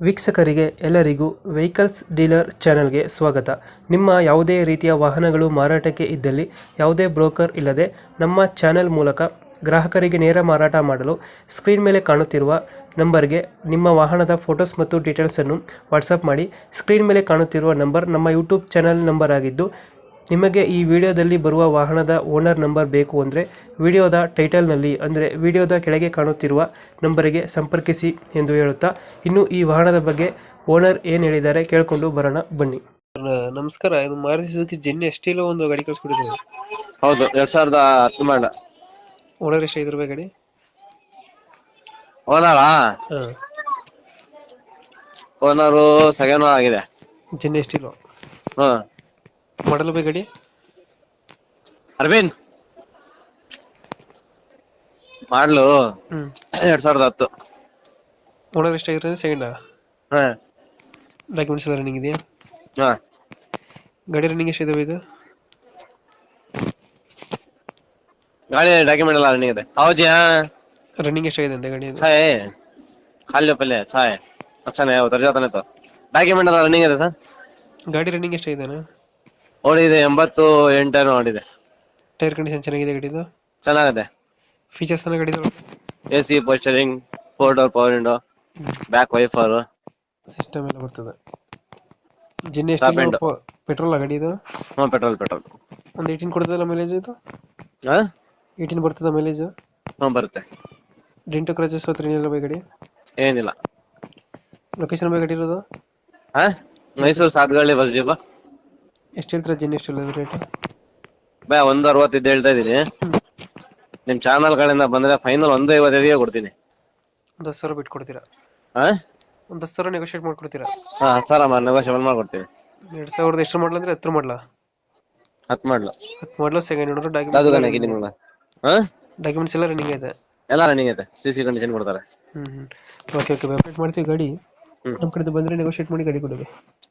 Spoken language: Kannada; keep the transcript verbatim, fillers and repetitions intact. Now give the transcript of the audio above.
ವೀಕ್ಷಕರಿಗೆ ಎಲ್ಲರಿಗೂ ವೆಹಿಕಲ್ಸ್ ಡೀಲರ್ ಚಾನೆಲ್ಗೆ ಸ್ವಾಗತ. ನಿಮ್ಮ ಯಾವುದೇ ರೀತಿಯ ವಾಹನಗಳು ಮಾರಾಟಕ್ಕೆ ಇದ್ದಲ್ಲಿ ಯಾವುದೇ ಬ್ರೋಕರ್ ಇಲ್ಲದೆ ನಮ್ಮ ಚಾನೆಲ್ ಮೂಲಕ ಗ್ರಾಹಕರಿಗೆ ನೇರ ಮಾರಾಟ ಮಾಡಲು ಸ್ಕ್ರೀನ್ ಮೇಲೆ ಕಾಣುತ್ತಿರುವ ನಂಬರ್ಗೆ ನಿಮ್ಮ ವಾಹನದ ಫೋಟೋಸ್ ಮತ್ತು ಡೀಟೇಲ್ಸನ್ನು ವಾಟ್ಸಪ್ ಮಾಡಿ. ಸ್ಕ್ರೀನ್ ಮೇಲೆ ಕಾಣುತ್ತಿರುವ ನಂಬರ್ ನಮ್ಮ ಯೂಟ್ಯೂಬ್ ಚಾನೆಲ್ ನಂಬರ್ ಆಗಿದ್ದು, ನಿಮಗೆ ಈ ವಿಡಿಯೋದಲ್ಲಿ ಬರುವ ವಾಹನದ ಓನರ್ ನಂಬರ್ ಬೇಕು ಅಂದರೆ ವಿಡಿಯೋದ ಟೈಟಲ್ನಲ್ಲಿ ಅಂದರೆ ವಿಡಿಯೋದ ಕೆಳಗೆ ಕಾಣುತ್ತಿರುವ ನಂಬರಿಗೆ ಸಂಪರ್ಕಿಸಿ ಎಂದು ಹೇಳುತ್ತಾ, ಇನ್ನು ಈ ವಾಹನದ ಬಗ್ಗೆ ಓನರ್ ಏನು ಹೇಳಿದ್ದಾರೆ ಕೇಳಿಕೊಂಡು ಬರೋಣ ಬನ್ನಿ. ನಮಸ್ಕಾರ, ಇದು ಮಾರುತಿ ಸುಜುಕಿ ಜಿನ್ನಿ ಎಸ್ಟಿಲೋ ಒಂದು ಗಾಡಿ ಕಳಿಸ್ಕೊಟ್ಟಿದ್ದೀವಿ. ಹೌದು, ಎರಡ್ ಸಾವಿರದ ಹತ್ತು ಮಾಡ. ಓನರ್ ಎಷ್ಟು ಐದು ರೂಪಾಯಿ ಗಾಡಿ? ಓನರಾ ಹಾಂ, ಓನರು ಸೆಕೆಂಡ್ ಆಗಿದೆ. ಜಿನ್ನಿ ಎಸ್ಟಿಲೋ ಹ್ಮ್ ಮಾಡಲ್ ಬೈ ಗಾಡಿ ಅರವಿಂದ್ ಮಾಡ್ಲು ಹ್ಮ್ ಎರಡ್ ಸಾವಿರದ ಹತ್ತು. ಓನರ್ ಎಷ್ಟಾಗಿರೋದು? ಸೆಕೆಂಡ್. ಹಾ ಡಾಕ್ಯುಮೆಂಟ್ಸ್ ಎಲ್ಲ ರನ್ನಿಂಗ್ ಇದೆಯಾ? ಹಾ ಗಾಡಿ ರನ್ನಿಂಗ್ ಎಷ್ಟಿದಾವೆ ಇದು? ಗಾಡಿ ಡಾಕ್ಯುಮೆಂಟ್ ಎಲ್ಲ ರನ್ನಿಂಗ್ ಇದೆ. ಹೌದಾ, ರನ್ನಿಂಗ್ ಎಷ್ಟಾಗಿದೆ ಅಂತ ಗಾಡಿ? छा है खाली पहले अच्छा है, अच्छा नहीं है, उतर जाता नहीं तो ಡಾಕ್ಯುಮೆಂಟ್ ಎಲ್ಲ ರನ್ನಿಂಗ್ ಇದೆ ಸರ್. ಗಾಡಿ ರನ್ನಿಂಗ್ ಎಷ್ಟಾಗಿದೆ? ಓಡಿದೆ ಎಂಬತ್ತು ಎಂಟೇನೋ ಓಡಿದೆ. ಟೈರ್ ಕಂಡೀಷನ್ ಚೆನ್ನಾಗಿದೆ ಗಾಡಿದು? ಚೆನ್ನಾಗಿದೆ. ಫೀಚರ್ಸ್ ಎಲ್ಲ ಗಾಡಿದು? ಎ ಸಿ, ಪೋಸ್ಟರಿಂಗ್, four door power window, back wiper system ಎಲ್ಲ ಬರ್ತದೆ. ಜಿನ್ನಿ ಎಷ್ಟು ಪೆಟ್ರೋಲ್ ಗಾಡಿ ಇದು? ಹ್ಞೂ ಪೆಟ್ರೋಲ್ ಪೆಟ್ರೋಲ್ ಒಂದು ಏಯ್ಟೀನ್ ಕೊಡ್ತದಲ್ಲ ಮೈಲೇಜ್ ಇದು? ಹಾ ಏಯ್ಟೀನ್ ಬರ್ತದ ಮೈಲೇಜ್? ಹ್ಞೂ ಬರುತ್ತೆ. ಡೆಂಟು ಕ್ರಚಸ್ ಹತ್ರ ಏನಿಲ್ಲ ಬೈ ಗಾಡಿ? ಏನಿಲ್ಲ. ಲೊಕೇಶನ್ ಬೈ ಗಾಡಿ ಇರೋದು? ಹಾ ಮೈಸೂರು ಸಾತ್ಗಳ್ಳಿ ಬಸ್ ಡಿಪೋ. ಎಷ್ಟು ಹೇಳ್ತೀರಾ ಜಿನ್ನಿ ಎಷ್ಟು ರೇಟ್? ಬೈ ಒಂದು ಅರವತ್ತಿದ್ದು ಹೇಳ್ತಾ ಇದೀನಿ. ನಿಮ್ ಚಾನಲ್ ಕಡೆಯಿಂದ ಬಂದ್ರೆ ಫೈನಲ್ ಒಂದು ಐವತ್ತೈದಿಗೆ ಕೊಡ್ತೀನಿ. ಒಂದು ಹತ್ತು ಸಾವಿರ ಬಿಟ್ಟು ಕೊಡ್ತೀರಾ? ಹಾ ಒಂದು ಹತ್ತು ಸಾವಿರ ನೆಗೋಷಿಯೇಟ್ ಮಾಡ್ಕೊಡ್ತೀರಾ? ಹಾ ಸರ್ ಅಮ್ಮ ನೆಗೋಷಿಯಬಲ್ ಮಾಡ್ಕೊಡ್ತೀನಿ. ಎರಡು ಸಾವಿರದ ಎಷ್ಟು ಮಾಡಲ ಅಂದ್ರೆ ಹತ್ತು ಮಾಡಲ? ಹತ್ತು ಮಾಡ್ಲು ಹತ್ತು ಮಾಡಲು ಸೆಕೆಂಡ್ ಓನರ್. ಅದು ಡಾಕ್ಯುಮೆಂಟ್ಸ್ ನಿಮ್ಗೆ ಹಾ ಡಾಕ್ಯುಮೆಂಟ್ಸ್ ಎಲ್ಲ ರನ್ನಿಂಗ್ ಇದೆ? ಎಲ್ಲ ರನ್ನಿಂಗ್ ಐತೆ. ಸಿ ಸಿ ಕಂಡೀಷನ್ ಕೊಡ್ತಾರೆ. ಹ್ಮ್ ಹ್ಮ್ ಓಕೆ ಓಕೆ ಅಪ್ಡೇಟ್ ಮಾಡ್ತೀವಿ ಗಾಡಿ. ಹ್ಮ್ ನಮ್ಮ ಕಡೆದು ಬಂದರೆ ನೆಗೋಷಿಯೇಟ್ ಮಾಡಿ ಗಾಡಿ ಕೊಡೋದು.